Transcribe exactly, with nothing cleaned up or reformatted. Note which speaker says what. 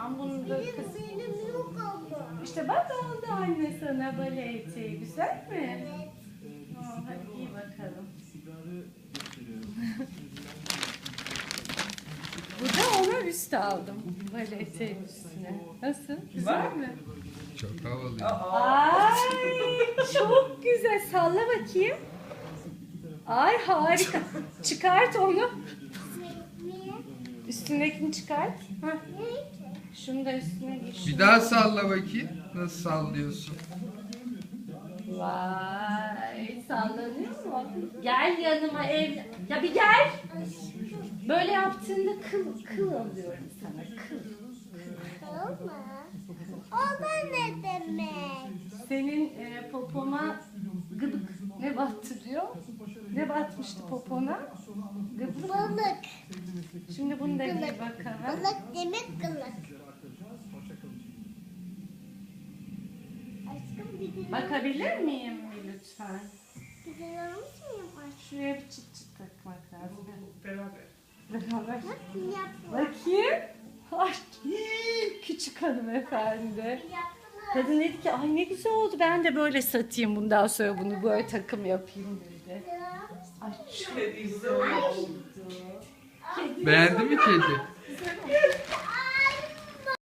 Speaker 1: Tamam bunu da
Speaker 2: Benim,
Speaker 1: kız.
Speaker 2: benim yok ama.
Speaker 1: İşte bak aldı anne sana bale eteği. Güzel mi?
Speaker 2: Evet.
Speaker 1: Aa, hadi giy bakalım. Bu da ona üst aldım. Bale eteği üstüne. Nasıl? Güzel mi?
Speaker 3: Çok havalı.
Speaker 1: Ay çok güzel. Salla bakayım. Ay harika. Çıkart onu.
Speaker 2: Niye?
Speaker 1: Üstündekini çıkart. Hah.
Speaker 2: Niye?
Speaker 1: Şunu da üstüne giy.
Speaker 3: Bir
Speaker 1: şunu
Speaker 3: daha
Speaker 1: da-
Speaker 3: salla bakayım. Nasıl sallıyorsun?
Speaker 1: Vay sallanıyor mu? Gel yanıma ev. Ya bir gel. Böyle yaptığında kıl kıl alıyorum sana kıl.
Speaker 2: Olma. O da ne demek?
Speaker 1: Senin e, popoma gıdık ne battırıyor? Ne batmıştı popona? Gıdık.
Speaker 2: Balık.
Speaker 1: Şimdi bunu da giy
Speaker 2: Gılık.
Speaker 1: bakalım.
Speaker 2: Balık demek gılık. Aşkım bir dilim.
Speaker 1: Bakabilir miyim bir lütfen?
Speaker 2: Bir dilim almış mıyım aşkım?
Speaker 1: Şuraya bir çıt çıt takmak lazım.
Speaker 4: Beraber.
Speaker 1: Beraber.
Speaker 2: Nasıl yaptın?
Speaker 1: Bakayım. Ay, küçük hanımefendi.
Speaker 2: Yaptılar.
Speaker 1: Kadın dedi ki ay ne güzel oldu ben de böyle satayım bundan sonra bunu böyle takım yapayım dedi. Ay çok güzel oldu. Kedi
Speaker 3: Beğendi mi kedi?
Speaker 2: Ay